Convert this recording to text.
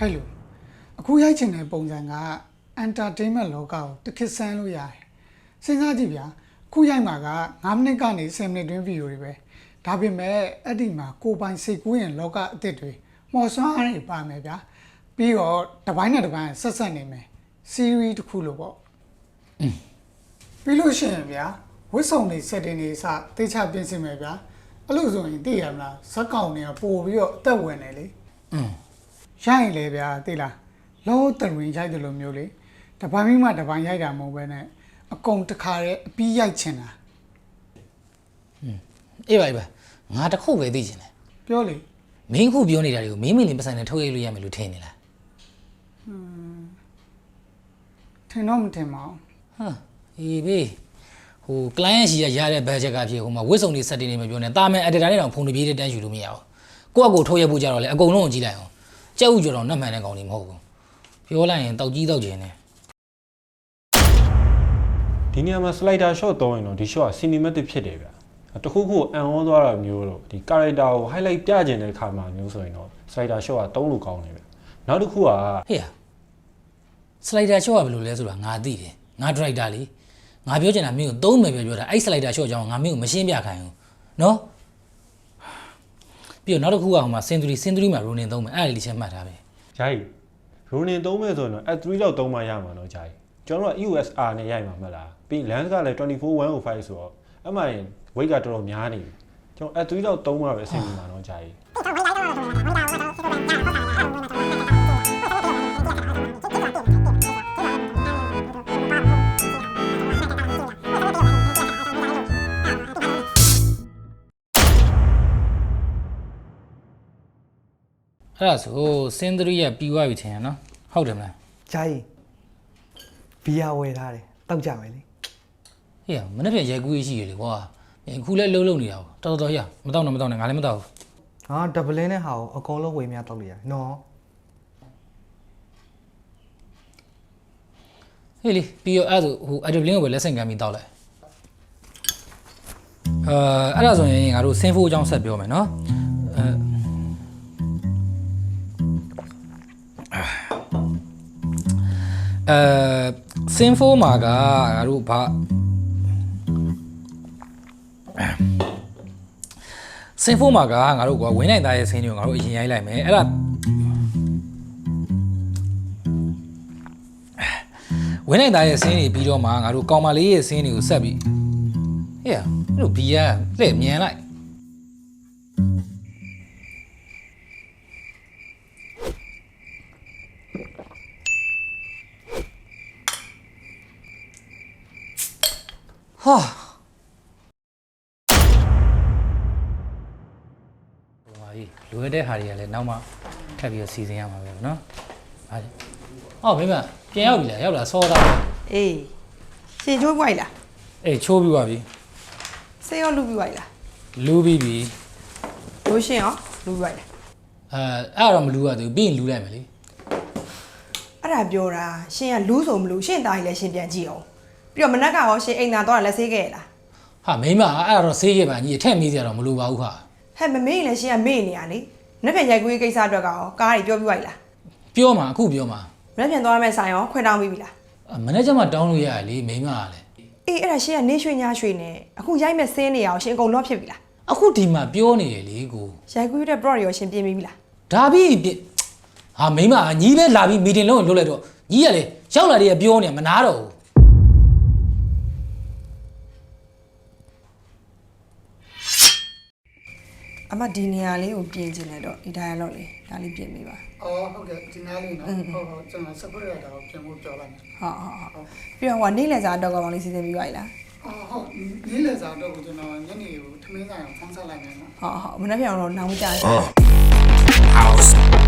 ဟဲ့လို့အခုရိုက်ချင်တဲ့ပုံစံက entertainment လောကကိုတစ်ခစ်ဆန်းလို့ရတယ်စဉ်းစားကြည့်ဗျာခုရိုက်မှာက9မိနစ်ကနေ10မိနစ်တွင်းဗီဒီယိုတွေပဲဒါပေမဲ့အဲ့ဒီမှာကိုပိုင်စိတ်ကူးရင်လောကအစ်စ်တွေမော်ဆွမ်းအားတွေပါမယ်ဗျာပြီးတော့တစ်ပိုင်းနဲ့တစ်ပိုင်းဆက်ဆက်နေမယ် series တစ်ခုလို့ပေါ့ပြီးလို့ရှိရင်ဗျာဝစ်စုံတွေ setting တွေစတေချပြင်ဆင်မယ်ဗျာအဲ့လိုဆိုရင်သိရမလားဇက်ကောင်တွေကပို့ပြီးတော့အသက်ဝင်နေလေရိုက်လေဗျာသိလားလောတရင်ရိုက်တယ်လို့မျိုးလေတပိုင်းမိမှတပိုင်းရိုက်တာမဟုတ်ပဲနဲ့အကုန်တစ်ခါတည်းအပြီးရိုက်ချင်တာအေးပါငါတခုပဲသိချင်တယ်ပြောလေမင်းခုပြောနေတာတွေကိုမင်းမင်းလေးပတ်စံနဲ့ထုတ်ရိုက်လို့ရမယ်လို့ထင်နေလားထင်တော့မထင်ပါဘူးဟာအေးဘေးဟို client ရှိရတဲ့ budget ကဖြစ်ဟိုမှာဝစ်စုံတွေ setting တွေမပြောနဲ့တာမန် editor နဲ့တောင်ဖုန်းတွေပြေးတဲ့တန်းယူလို့မရဘူးကိုယ့်အကိုထုတ်ရိုက်ဖို့ကြတော့လေအကုန်လုံးကိုကြည့်လိုက်အောင်ကြက်ဥကြော်တော့နှက်မှန်တဲ့ကောင်တွေမဟုတ်ဘူးပြောလိုက်ရင်တောက်ကြီးတောက်ကျင်နေဒီနေရာမှာ slider shot သုံးရင်တော့ဒီ shot က cinematic ဖြစ်တယ်ဗျတခုခုအန်ဩသွားတာမျိုးတော့ဒီ character ကို highlight ပြကျင်တဲ့ခါမှာမျိုးဆိုရင်တော့ slider shot ကသုံးလို့ကောင်းတယ်ဗျနောက်တစ်ခုကဟေ့ slider shot ကဘယ်လိုလဲဆိုတာငါသိတယ်ငါ director လေငါပြောချင်တာမင်းကိုသုံးမယ်ပြောတာအဲ့ slider shot ကြောင့်ငါမင်းကိုမရှင်းပြခိုင်းဘူးနော်ပြီးတော့နောက်တစ်ခုကဟိုမှာ century မှာ ronin သုံးမယ်အဲ့ဒါလေးချက်မှတ်ထားပဲဂျာကြီး ronin သုံးမယ်ဆိုရင်တော့ at3 လောက်သုံးမှရမှာနော်ဂျာကြီးကျွန်တော်တို့က EOSR နဲ့ရိုက်မှာမလားပြီး lens ကလည်း24105ဆိုတော့အမှန်ရင် weight ကတော်တော်များနေပြီကျွန်တော် at3 လောက်သုံးမှပဲအဆင်ပြေမှာနော်ဂျာကြီးအဲ့ဒါဆိုစင်သရီရပြီးသွားပြီထင်ရနော်ဟုတ်တယ်မလားဂျာကြီးဘီယာဝယ်ထားတယ်တောက်ကြမယ်လေဟေ့မနေ့ပြန်ရိုက်ကူးရေးရှိရလေကွာအခုလည်းလှုပ်နေတာတော်ရမတော့နဲ့ငါလည်းမတော့ဘူးဟာဒဗလင်းနဲ့ဟာကိုအကုန်လုံးဝယ်များတောက်လို့ရတယ်နော်ဟေးလေပြီးတော့အဲ့ဒါဟိုအဒဗလင်းကိုပဲလက်ဆင့်ကမ်းပြီးတောက်လိုက်အဲ့ဒါဆိုရင်ငါတို့စင်ဖိုးအကြောင်းဆက်ပြောမယ်နော်စင်ဖိုးမှာကငါတို့ဘာစင်ဖိုးမှာကငါတို့ကဝင်းနိုင်သားရဲ့ဆင်းတွေကိုငါတို့အရင်ရိုက်လိုက်မယ်အဲ့ဒါဝင်းနိုင်သားရဲ့ဆင်းတွေပြီးတော့မှငါတို့ကောင်မလေးရဲ့ဆင်းတွေကိုဆက်ပြီးဟေ့တို့ဘီယာလှည့်မြန်လိုက်ဟာလွယ်တဲ့ဟာတွေကလည်းနောက်မှထပ်ပြီးတော့စီစဉ်ရမှာပဲเนาะဟာအော်မိမပြန်ရောက်ပြီလားရောက်လာစောတာအေးရှင်ချိုးပွိုက်လားအေးချိုးပြီးပါပြီဆေးရောလူပြီးပွိုက်လားလူပြီးပြီလို့ရှင်ရောလူပြီးပွိုက်လားအဲ့တော့မလူရသေးဘူးပြီးရင်လူလိုက်မယ်လေအဲ့ဒါပြောတာရှင်ကလူဆိုမလူရှင်သားကြီးလည်းရှင်ပြန်ကြည့်အောင်ပြီးတော့မနက်ကရောရှင်အိမ်သာတော့လက်ဆေးခဲ့ရလားဟာမိမအဲ့တော့ဆေးခဲ့ပါညီအထက်မေးစရာတော့မလိုပါဘူးခါဟဲ့မမေ့ရင်လည်းရှင်ကမေ့နေရလေနှစ်ပြန်ရိုက်ကူးရေးကိစ္စအတွက်ကောကားတွေပြောပြီးပွိုက်လားပြောမှာအခုပြောမှာနှစ်ပြန်သွားမယ့်ဆိုင်ရောခွင့်တောင်းပြီးပြီလားမနေ့ကမှတောင်းလို့ရရလေမိမကလည်းအေးအဲ့ဒါရှင်ကနေရွှေညရွှေနဲ့အခုရိုက်မဲ့ဆင်းနေရအောင်ရှင်အကုန်လော့ဖြစ်ပြီလားအခုဒီမှာပြောနေရလေကိုရိုက်ကူးတဲ့ plot ရောရှင်ပြင်ပြီးပြီလားဒါပြီးဟာမိမညီးပဲလာပြီးမီတင်လုံးကိုလုပ်လိုက်တော့ညီးရလေရောက်လာတယ်ပြောနေမနာတော့ဘူးအမဒီနေရာလေးကိုပြင်ချင်တယ်တော့ဒီ dialogue လေးဒါလေးပြင်ပေးပါအော်ဟုတ်ကဲ့ဒီနားလေးနော်ဟုတ်ကျွန်တော်စပရက်တာကိုပြင်ဖို့ပြောလိုက်မယ်ဟုတ်ပြီးတော့ဟိုနေ့လည်စာတော့ကောင်လေးစီစဉ်ပြီးပါလားဟုတ်နေ့လည်စာတော့ကျွန်တော်ညနေကိုထမင်းဆိုင်အောင်ဖုန်းဆက်လိုက်မယ်နော်ဟုတ်မနေ့ပြန်တော့နောင်ကြရ